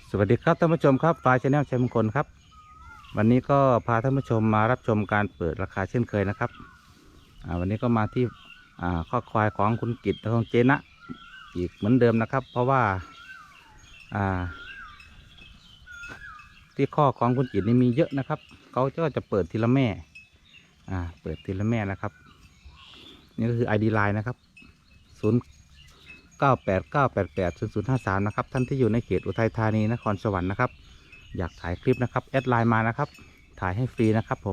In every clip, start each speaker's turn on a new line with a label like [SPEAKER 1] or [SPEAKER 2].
[SPEAKER 1] สวัสดีครับท่านผู้ชมครับฟ้าชาแนลชัยมงคลครับวันนี้ก็พาท่านผู้ชมมารับชมการเปิดราคาเช่นเคยนะครับวันนี้ก็มาที่ข้อควายของคุณกิตและของเจนะอีกเหมือนเดิมนะครับเพราะว่าที่ข้อของคุณกิตนี่มีเยอะนะครับเขาก็จะเปิดทีละแม่เปิดทีละแม่นะครับนี่ก็คือ ID Line นะครับ0989880053นะครับท่านที่อยู่ในเขตอุทัยธานีนครสวรรค์นะครับอยากถ่ายคลิปนะครับแอดไลน์มานะครับถ่ายให้ฟรีนะครับผม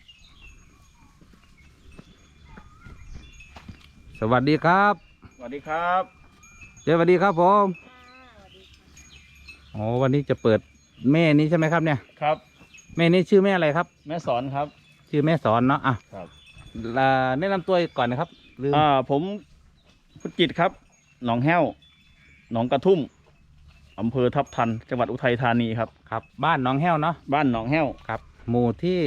[SPEAKER 1] สวัสดีครับ
[SPEAKER 2] สวัสดีครับ
[SPEAKER 1] สวัสดีครับผมโอ้วันนี้จะเปิดแม่นี้ใช่ไหมครับเนี่ย
[SPEAKER 2] ครับ
[SPEAKER 1] แม่นี้ชื่อแม่อะไรครับ
[SPEAKER 2] แม่สอนครับ
[SPEAKER 1] ชื่อแม่สอนเนาะ
[SPEAKER 2] ครับ
[SPEAKER 1] แนะนำตัวก่อนนะครับ
[SPEAKER 2] ผมพุทธกิจครับหนองแห้วหนองกระทุ่มอำเภอทับทันจังหวัดอุทัยธานีครับ
[SPEAKER 1] ครับบ้านหนองแห้วเนาะ
[SPEAKER 2] บ้านหนองแห้ว
[SPEAKER 1] ครับหมู่ที่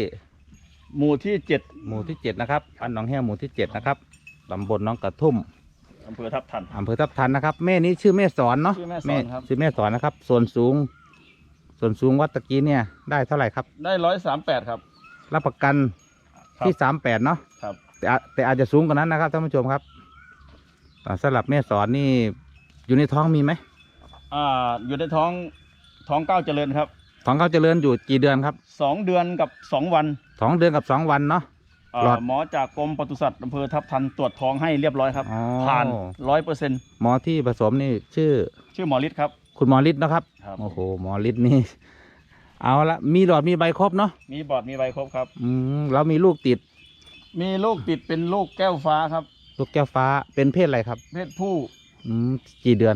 [SPEAKER 2] 7
[SPEAKER 1] นะครับบ้านหนองแห้วหมู่ที่7นะครับตำบลหนองกระทุ่ม
[SPEAKER 2] อำเภอทับทั
[SPEAKER 1] นนะครับแม่นี้ชื่อแม่สอนเนาะ
[SPEAKER 2] ชื่อแม่สอนครับ
[SPEAKER 1] ชื่อแม่สอนนะครับส่วนสูงวัดตะกี้เนี่ยได้เท่าไหร่ครับ
[SPEAKER 2] ได้138ครับ
[SPEAKER 1] รับประกันที่38เนาะ
[SPEAKER 2] ครับ
[SPEAKER 1] แต่อาจจะสูงกว่านั้นนะครับท่านผู้ชมครับสำหรับแม่สอนนี่อยู่ในท้องมีไหม
[SPEAKER 2] อยู่ในท้องเก้าเจริญครับ
[SPEAKER 1] ท้องเขาเจริญอยู่กี่เดือนครับ
[SPEAKER 2] 2 เดือนกับ2 วัน
[SPEAKER 1] 2 เดือนกับ2 วันเนาะ
[SPEAKER 2] หมอจากกรมปศุสัตว์อำเภอทับทันตรวจท้องให้เรียบร้อยครับผ่าน100%
[SPEAKER 1] หมอที่ผสมนี่ชื่อ
[SPEAKER 2] หมอฤทธิ์ครับ
[SPEAKER 1] คุณหมอฤทธิ์นะครับโอ้โหหมอฤทธิ์นี่เอาละมีหลอดมีใบครบเนาะ
[SPEAKER 2] มีบอร์ดมีใบครบครับ
[SPEAKER 1] แล้วมีลูกติด
[SPEAKER 2] เป็นลูกแก้วฟ้าครับ
[SPEAKER 1] ลูกแก้วฟ้าเป็นเพศอะไรครับ
[SPEAKER 2] เพศผู้
[SPEAKER 1] กี่เดือน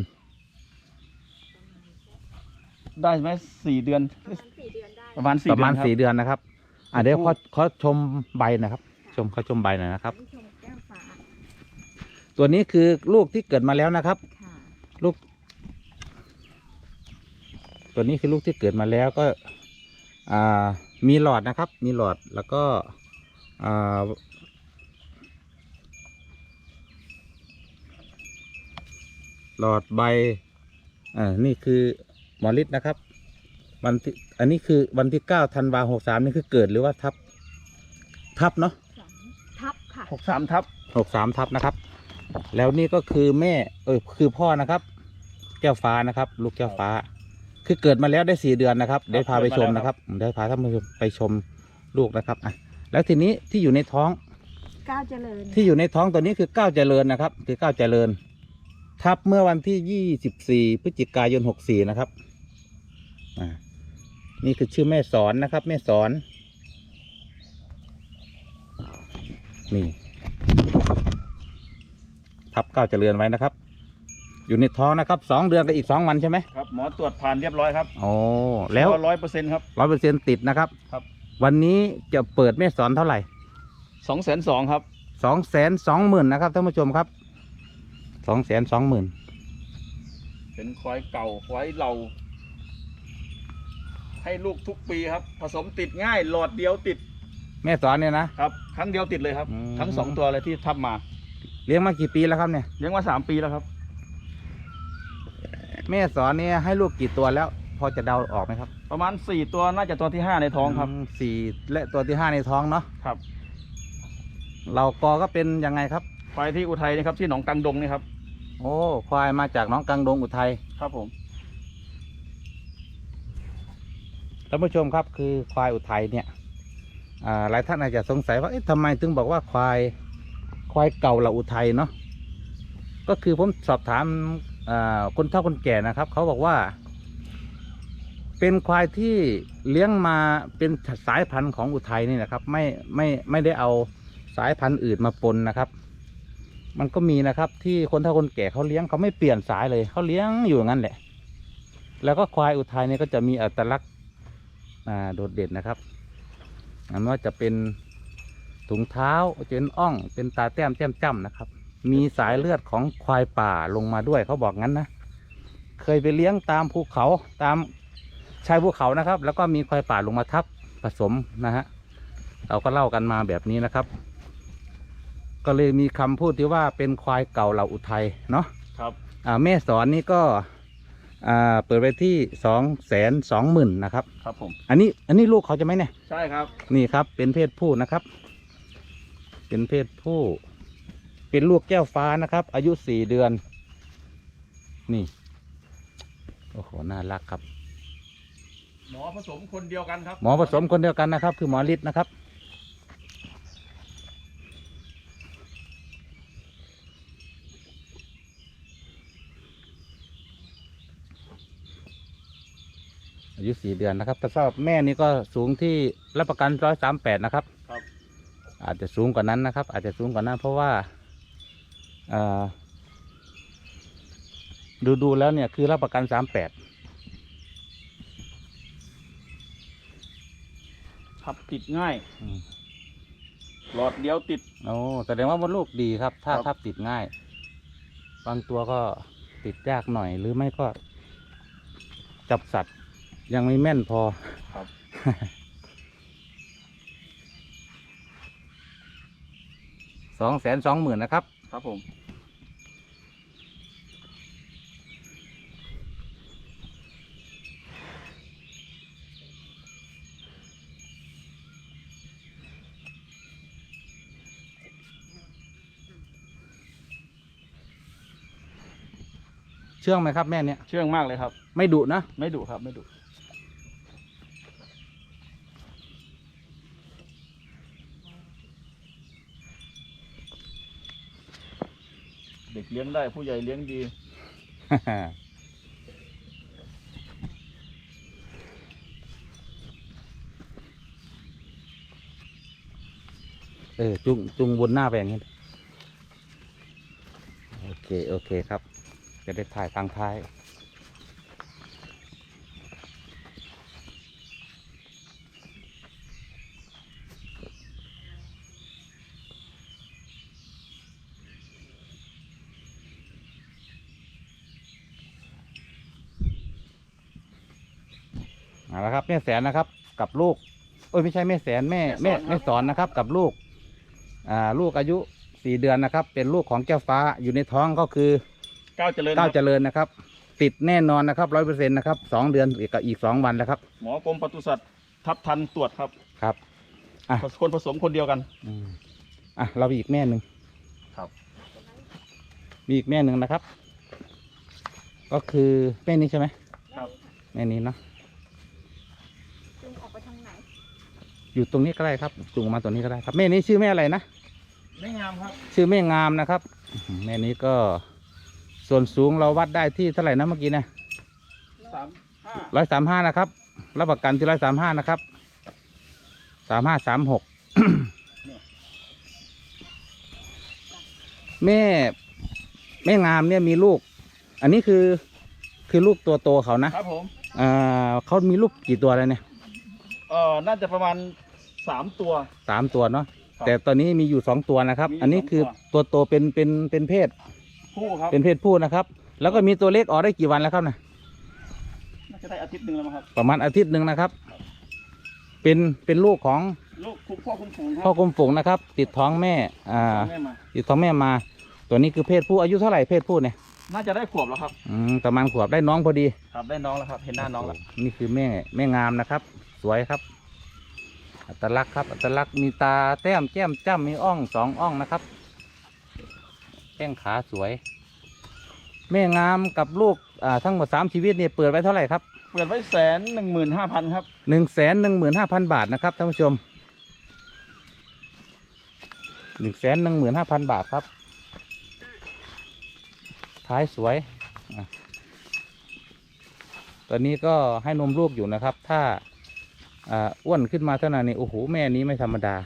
[SPEAKER 2] ได้ไหม4 เดือนประมาณ4
[SPEAKER 1] 4 เดือนนะครับเดี๋ยวเขาชมใบนะครับเขาชมใบหน่อยนะครับตัวนี้คือลูกที่เกิดมาแล้วนะครับลูกตัวนี้คือลูกที่เกิดมาแล้วก็มีหลอดนะครับมีหลอดแล้วก็หลอดใบนี่คือหมอฤทธิ์นะครับอันนี้คือวันที่9 ธันวาคม 63นี่คือเกิดหรือว่าทับเนาะ
[SPEAKER 3] ทับค่ะ
[SPEAKER 1] 63 ทับนะครับแล้วนี่ก็คือแม่คือพ่อนะครับแก้วฟ้านะครับลูกแก้วฟ้าคือเกิดมาแล้วได้4 เดือนนะครับได้พาไปชมนะครับได้พาท่านผู้ชมไปชมลูกนะครับแล้วทีนี้ที่อยู่ในท้อง
[SPEAKER 3] ก้าวเจริญ
[SPEAKER 1] ที่อยู่ในท้องตัวนี้คือก้าวเจริญนะครับคือก้าวเจริญทับเมื่อวันที่24 พฤศจิกายน 64นะครับนี่คือชื่อแม่สอนนะครับแม่สอนนี่ทับก้าวเจริญไว้นะครับอยู่ในท้องนะครับ2 เดือนกับอีก2 วันใช่ไหม
[SPEAKER 2] ครับหมอตรวจผ่านเรียบร้อยครับ
[SPEAKER 1] โอ้แล้ว
[SPEAKER 2] 100%ครับ
[SPEAKER 1] 100%ติดนะครับ
[SPEAKER 2] ครับ
[SPEAKER 1] วันนี้จะเปิดแม่สอนเท่าไหร่
[SPEAKER 2] 220,000ครับ
[SPEAKER 1] 220,000นะครับท่านผู้ชมครับ220,000
[SPEAKER 2] เป็นควายเก่าควายเราให้ลูกทุกปีครับผสมติดง่ายหลอดเดียวติด
[SPEAKER 1] แม่สอนเนี่ยนะครับ
[SPEAKER 2] ครั้งเดียวติดเลยครับทั้ง2 ตัวเลยที่ทับมา
[SPEAKER 1] เลี้ยงมากี่ปีแล้วครับเนี่ย
[SPEAKER 2] เลี้ยงมา3 ปีแล้วครับ
[SPEAKER 1] แม่สอนเนี่ยให้ลูกกี่ตัวแล้วพอจะเดาออกไหมครับ
[SPEAKER 2] ประมาณ4 ตัวน่าจะตัวที่5ในท้องครับ
[SPEAKER 1] 4และตัวที่5ในท้องเนาะ
[SPEAKER 2] ครับ
[SPEAKER 1] เราก็เป็นยังไงครับ
[SPEAKER 2] ควายที่อุทัยนี่ครับที่หนองกังดงนี่ครับ
[SPEAKER 1] โอ้ควายมาจากหนองกังดงอุทัย
[SPEAKER 2] ครับผม
[SPEAKER 1] ท่านผู้ชมครับคือควายอุทัยเนี่ยหลายท่านอาจจะสงสัยว่าทำไมถึงบอกว่าควายเก่าเราอุทัยเนาะก็คือผมสอบถามคนเฒ่าคนแก่นะครับเขาบอกว่าเป็นควายที่เลี้ยงมาเป็นสายพันธุ์ของอุทัยนี่นะครับไม่ได้เอาสายพันธุ์อื่นมาปนนะครับมันก็มีนะครับที่คนเฒ่าคนแก่เขาเลี้ยงเขาไม่เปลี่ยนสายเลยเขาเลี้ยงอยู่อย่างนั้นแหละแล้วก็ควายอุทัยนี่ก็จะมีอัตลักษณ์โดดเด่นนะครับไม่ว่าจะเป็นถุงเท้าเป็นอ่องเป็นตาแต้มจ้ำนะครับมีสายเลือดของควายป่าลงมาด้วยเขาบอกงั้นนะเคยไปเลี้ยงตามภูเขาตามชายภูเขานะครับแล้วก็มีควายป่าลงมาทับผสมนะฮะเราก็เล่ากันมาแบบนี้นะครับก็เลยมีคำพูดที่ว่าเป็นควายเก่าเหล่าอุทัยเนาะ
[SPEAKER 2] ครับ
[SPEAKER 1] แม่สอนนี่ก็เปิดไปที่220,000นะครับ
[SPEAKER 2] ครับผม
[SPEAKER 1] อันนี้ลูกเขาจะไหมเนี่ย
[SPEAKER 2] ใช่ครับ
[SPEAKER 1] นี่ครับเป็นเพศผู้นะครับ เป็นเพศผู้ เป็นลูกแก้วฟ้านะครับ อายุ4 เดือน นี่โอ้โหน่ารักครับ
[SPEAKER 2] หมอผสมคนเดียวกันครับ
[SPEAKER 1] หมอผสมคนเดียวกันนะครับ คือหมอฤทธิ์นะครับ อายุ4 เดือนนะครับแต่สำหรับแม่นี่ก็สูงที่รับประกัน138นะครับ
[SPEAKER 2] ครับ
[SPEAKER 1] อาจจะสูงกว่านั้นนะครับ อาจจะสูงกว่านั้นเพราะว่าดูแล้วเนี่ยคือรับประกัน38
[SPEAKER 2] ทับติดง่าย หลอดเดียวติด
[SPEAKER 1] โอ้แสดงว่ามดลูกดีครับ ถ้า
[SPEAKER 2] ครับ
[SPEAKER 1] ทับติดง่าย บางตัวก็ติดยากหน่อยหรือไม่ก็ จับสัตว์ยังไม่แม่นพอ
[SPEAKER 2] ครับ
[SPEAKER 1] 220,000นะครับ
[SPEAKER 2] ครับผม
[SPEAKER 1] เชื่องไหมครับแม่เนี่ย
[SPEAKER 2] เชื่องมากเลยครับ
[SPEAKER 1] ไม่ดุนะ
[SPEAKER 2] ไม่ดุครับ ไม่ดุ เด็กเลี้ยงได้ผู้ใหญ่เลี้ยงดี
[SPEAKER 1] จุงวนหน้าไปอย่างนี้โอเคครับ จะได้ถ่ายทางท้าย เอาละครับแม่แสนนะครับ กับลูกไม่ใช่แม่แสนแม่สอนนะครับ กับลูกลูกอายุ4 เดือนนะครับ เป็นลูกของแก้วฟ้าอยู่ในท้องก็คือ
[SPEAKER 2] ก้าวเจริญ
[SPEAKER 1] ก้าว
[SPEAKER 2] ค
[SPEAKER 1] เจ
[SPEAKER 2] รับ
[SPEAKER 1] ริญนะครับ ติดแน่นอนนะครับ100%นะครับ2 เดือนอีก2 วันแล้วครับ
[SPEAKER 2] หมอกรมปศุสัตว์ทับทันตรวจครับ
[SPEAKER 1] ครับ อ่ะ
[SPEAKER 2] คนผสมคนเดียวกัน
[SPEAKER 1] เรามีอีกแม่หนึ่ง
[SPEAKER 2] ครับ
[SPEAKER 1] มีอีกแม่หนึ่งนะครับ ก็คือแม่นี้ใช่ไหม
[SPEAKER 2] ครับ
[SPEAKER 1] แม่นี้เนาะ
[SPEAKER 3] จุงออกไปทางไหน
[SPEAKER 1] อยู่ตรงนี้ก็ได้ครับจุงมาตัวนี้ก็ได้ครับแม่นี้ชื่อแม่อะไรนะ
[SPEAKER 2] ไม่งามครับ
[SPEAKER 1] ชื่อแม่งามนะครับแม่นี้ก็ส่วนสูงเราวัดได้ที่เท่าไหร่นะเมื่อกี้นะ
[SPEAKER 2] 35
[SPEAKER 1] 135นะครับรับประกันที่135นะครับ3536 แม่งามเนี่ยมีลูก อันนี้คือลูกตัวโตเขานะครับ
[SPEAKER 2] ผม
[SPEAKER 1] เขามีลูกกี่ตัวแล้วเนี่ย
[SPEAKER 2] น่าจะประมาณ3 ตัว
[SPEAKER 1] 3 ตัวเนาะ
[SPEAKER 2] ครับ
[SPEAKER 1] แต่ตอนนี้มีอยู่2 ตัวนะครับ
[SPEAKER 2] มีอยู่
[SPEAKER 1] อันนี้
[SPEAKER 2] 2
[SPEAKER 1] คือตัวโตเป็นเพศ
[SPEAKER 2] คู่ครับ
[SPEAKER 1] เป็นเพศผู้นะครับ แล้วก็มีตัวเล็กออกได้กี่วันแล้วครับนะ
[SPEAKER 2] น่าจะได้อาทิตย์หนึ่งแล้วมั้งครับ
[SPEAKER 1] ประมาณอาทิตย์หนึ่งนะครับ เป็นลูกของ
[SPEAKER 2] ลูกคุมพ่อคุมฝูงครั
[SPEAKER 1] พ่อกรมฝูงนะครับ ติดท้องแม่
[SPEAKER 2] แม่มา
[SPEAKER 1] ติดท้องแม่มา ตัวนี้คือเพศผู้อายุเท่าไหร่เพศผู้เนี่ย
[SPEAKER 2] น่าจะได้ขวบแล้วครับ
[SPEAKER 1] ประมาณขวบได้น้องพอดี
[SPEAKER 2] ครับได้น้องแล้วครับ เห็นหน้าน้องแล้ว
[SPEAKER 1] นี่คือแม่งามนะครับ สวยครับ อัตลักษณ์ครับ อัตลักษณ์มีตาแต้มแก้มจ้ำมีอ่อง2 อ่องนะครับแข้งขาสวย แม่งามกับลูกทั้งหมด3 ชีวิตเนี่ยเปิดไว้เท่าไหร่ครับ
[SPEAKER 2] เปิดไว้115,000 ครับ
[SPEAKER 1] 115,000 บาทนะครับท่านผู้ชม115,000 บาทครับท้ายสวยตอนนี้ก็ให้นมลูกอยู่นะครับ ถ้าอ้วนขึ้นมาเท่านั้นนี่โอ้โหแม่นี้ไม่ธรรมดา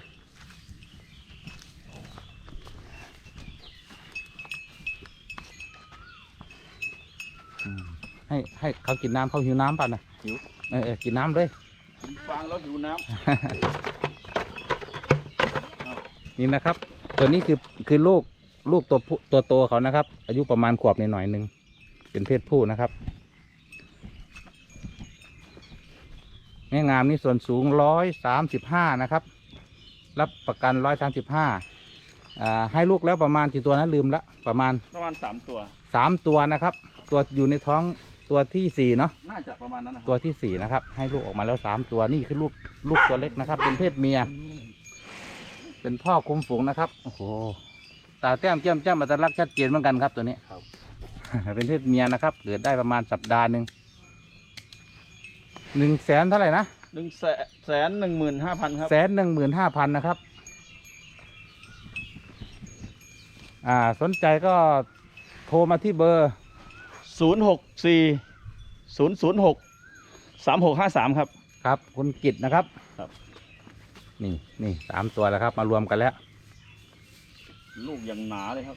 [SPEAKER 1] ให้เขากินน้ำเขาหิวน้ำป่ะนะ
[SPEAKER 2] หิว
[SPEAKER 1] กินน้ำเลย
[SPEAKER 2] ผมฟังแล้วหิวน้
[SPEAKER 1] นี่นะครับ ตัวนี้คือลูกตัวโตเขานะครับ อายุประมาณขวบหน่อยๆหนึ่งเป็นเพศผู้นะครับแม่งามนี่ส่วนสูง135นะครับ รับประกัน135ให้ลูกแล้วประมาณกี่ตัวนะลืมละประมาณ
[SPEAKER 2] ำ3 ตัว
[SPEAKER 1] 3 ตัวนะครับ ตัวอยู่ในท้องตัวที่สี่เนาะ
[SPEAKER 2] น่าจะประมาณนั้นนะค
[SPEAKER 1] ตัว
[SPEAKER 2] รับ
[SPEAKER 1] ที่สี่นะครับ ให้ลูกออกมาแล้วสามตัวนี่คือลูกตัวเล็กนะครับ เป็นเพศเมีย เป็นพ่อคุมฝูงนะครับโอ้โหตาแต้มแก้มจ้ำอัตลักษณ์ชัดเจนเหมือนกันครับตัวนี้
[SPEAKER 2] ครับ
[SPEAKER 1] เป็นเพศเมียนะครับเกิดได้ประมาณสัปดาห์หนึ่ง100,000เท่าไหร่นะ
[SPEAKER 2] 115,000 ครับ
[SPEAKER 1] 115,000นะครับ สนใจก็โทรมาที่เบอร์
[SPEAKER 2] 064 006 3653 ครับ
[SPEAKER 1] ครับ คุณกิตนะครับ
[SPEAKER 2] ครับ
[SPEAKER 1] นี่3 ตัวแล้วครับ มารวมกันแล้ว
[SPEAKER 2] ลูกอย่างหนาเลยครับ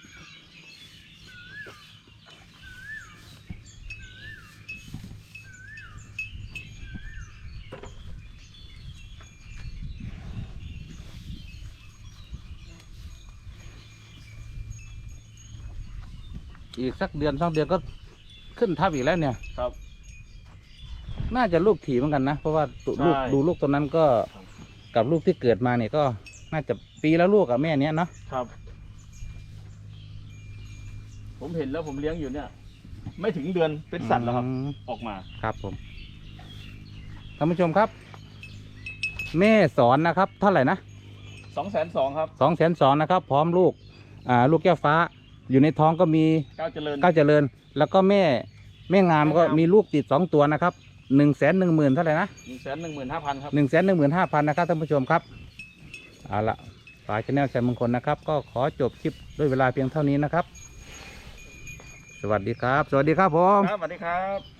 [SPEAKER 1] อีกสักเดือน2 เดือนก็ขึ้นทับอีกแล้วเนี่ย
[SPEAKER 2] ครับ
[SPEAKER 1] น่าจะลูกถี่เหมือนกันนะ เพราะว่าลูก
[SPEAKER 2] ใช่
[SPEAKER 1] ดูลูกตัวนั้นก็
[SPEAKER 2] ครับ
[SPEAKER 1] กับลูกที่เกิดมาเนี่ยก็น่าจะปีแล้วลูกกับแม่เนี้ยเนาะ
[SPEAKER 2] ครับ ผมเห็นแล้วผมเลี้ยงอยู่เนี่ย ไม่ถึงเดือนเป็นสัตว์แล้วครับ ออกมา
[SPEAKER 1] ครับผมท่านผู้ชมครับ แม่สอนนะครับ เท่าไหร่นะ
[SPEAKER 2] 220,000 ครับ
[SPEAKER 1] 220,000นะครับ พร้อมลูกลูกแก้วฟ้า อยู่ในท้องก็มี
[SPEAKER 2] ก้าวเจริญ
[SPEAKER 1] ก้าวเจริญ แล้วก็แม่งามก็มีลูกติด2 ตัวนะครับ110,000เท่าไหร่นะ
[SPEAKER 2] 115,000 ครับ
[SPEAKER 1] 115,000นะครับท่านผู้ชมครับเอาละฝ่ายชาแนลชัยมงคลนะครับ ก็ขอจบคลิปด้วยเวลาเพียงเท่านี้นะครับ สวัสดีครับ สวัสดีครับผม
[SPEAKER 2] ครับสวัสดีครับ